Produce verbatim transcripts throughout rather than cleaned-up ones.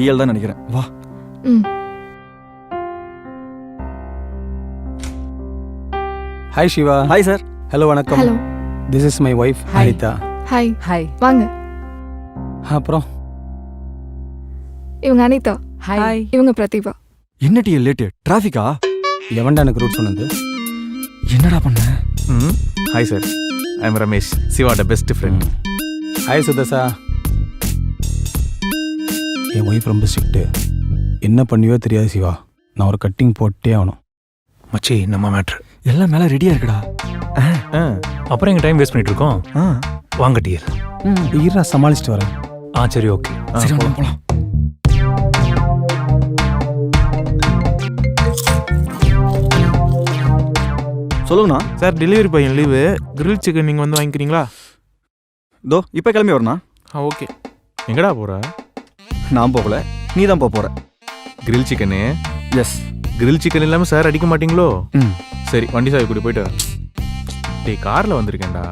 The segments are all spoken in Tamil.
டிஎல் தான் நினைக்கிறேன். வா. ம். Hi Siva. Hi sir. Hello வணக்கம். Hello. This is my wife Haritha. Hi. Hi. வாங்க. அப்புறம் இவங்க அனிதா. ஹாய். இவங்க பிரதிபா. என்ன டிஎல் லேட்டு? டிராஃபிக்கா? எவன்டா எனக்கு ரூட் சொன்னது? என்னடா பண்ண? ம் hi sir, I am Ramesh, சிவாட பெஸ்ட் ஃப்ரெண்ட். ஹாய் சுதர்சா. என் ஒய்ஃப் ரொம்ப ஸ்ட்ரிக்ட்டு. என்ன பண்ணியோ தெரியாது சிவா. நான் ஒரு கட்டிங் போட்டே ஆகணும். மச்சி நம்ம மேட்ரு எல்லாம் மேலே ரெடியாக இருக்குடா. அப்புறம் எங்கள் டைம் வேஸ்ட் பண்ணிட்டு இருக்கோம். ஆ வாங்க டியர். ஈரா சமாளிச்சுட்டு வரேன். ஆ சரி ஓகே. சரி வாங்க போகலாம். சொல்லுங்கண்ணா. சார் டெலிவரி பையன் லீவு, கிரில் சிக்கன் நீங்கள் வந்து வாங்கிக்கிறீங்களா? தோ இப்போ கிளம்பி வரண்ணா. ஆ ஓகே. எங்கடா போகிற? நான் போகல, நீ தான் போக போகிற. Grill chicken? Yes. Grill chicken இல்லாமல் சார் அடிக்க மாட்டீங்களோ? ம் சரி, வண்டி சாவி கூட்டி போயிட்டு வரேன். டேய் காரில் வந்திருக்கேன்டா.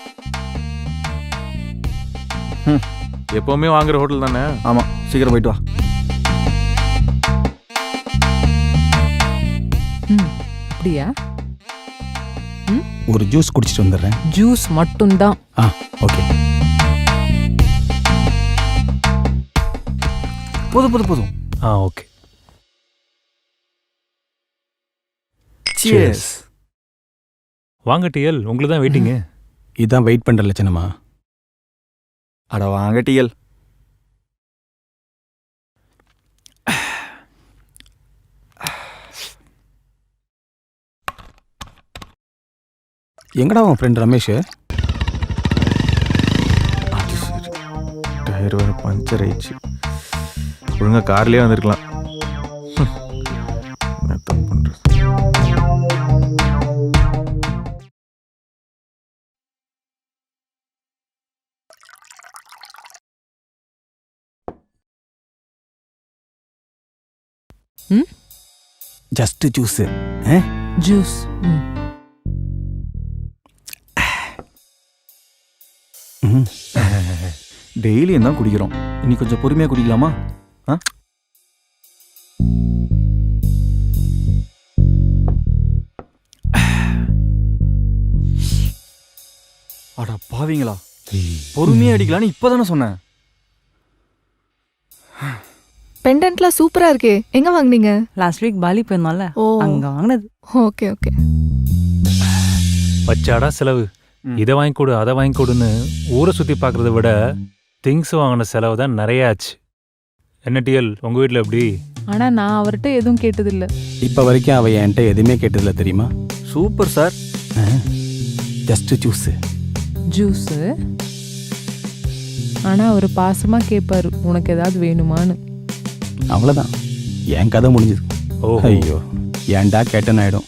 ம் எப்போவுமே வாங்குற ஹோட்டல் தானே? ஆமாம், சீக்கிரம் போயிட்டு வா. ம் அப்படியா? ஒரு ஜூஸ் குடிச்சிட்டு வந்துடுறேன். ஜூஸ் மட்டும்தான். ஆ ஓகே. போதும் போதும் போதும். ஆ ஓகே. சியர்ஸ். வாங்க டிஎல், உங்களுக்கு தான் வெயிட்டிங்கு. இதான் வெயிட் பண்ணுற லட்சணமா? அட வாங்க டிஎல். எங்கடா உன் ஃப்ரெண்ட் ரமேஷ்? அது சரி, டயர் வேறு பஞ்சர் ஆயிடுச்சு. ஒழுங்காக கார்லேயே வந்திருக்கலாம். என்ன தப்பு பண்ணுறது? ம் ஜஸ்ட் ஜூஸு. ஜூஸ். ம் ம் டெய்லியும் தான் குடிக்கிறோம், இன்னைக்கு கொஞ்சம் பொறுமையாக குடிக்கலாமா? ஆ அட பாவீங்களா, பொறுமையாக அடிக்கலான்னு இப்போ தானே சொன்னேன். பெண்டன்ட்லாம் சூப்பரா இருக்கே. எங்க வாங்குனீங்க? லாஸ்ட் வீக் பாலி போயிருந்தோம்ல, ஓ அங்க வாங்கினது. Okay okay. வச்சாடா செலவு. ம். இதை வாங்கி கொடு அதை வாங்கி கொடுன்னு ஊரை சுற்றி பார்க்குறத விட திங்ஸ் வாங்கின செலவு தான் நிறைய ஆச்சு. என்ன டிஎல், உங்கள் வீட்டில் எப்படி? ஆனா நான் அவர்கிட்ட எதுவும் கேட்டதில்ல. இப்போ வரைக்கும் அவள் என்கிட்ட எதுவுமே கேட்டதில்ல தெரியுமா? Super sir. Just juice. Juice. ஆனா அவர் பாசமா கேட்பாரு, உனக்கு ஏதாவது வேணுமான்னு. அவ்வளோதான், என் கதை முடிஞ்சுது. ஓ ஐயோ, ஏன்டா கேட்டேன்னு ஆயிடும்.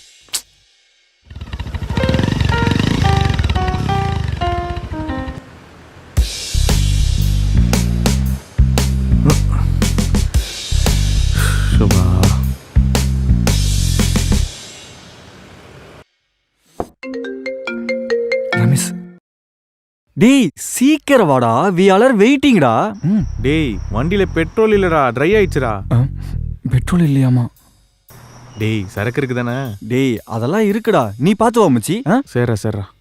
சுபா ரமேஷ், டேய் சீக்கிரம் வாடா, வி ஆர் வெயிட்டிங்டா. ம் டேய் வண்டியில் பெட்ரோல் இல்லைடா, ட்ரை ஆயிடுச்சுடா. பெட்ரோல் இல்லையாமா? டேய் சரக்கு இருக்கு தானே? டேய் அதெல்லாம் இருக்குடா, நீ பார்த்து வா மச்சி. ஆ சரிடா சரிடா.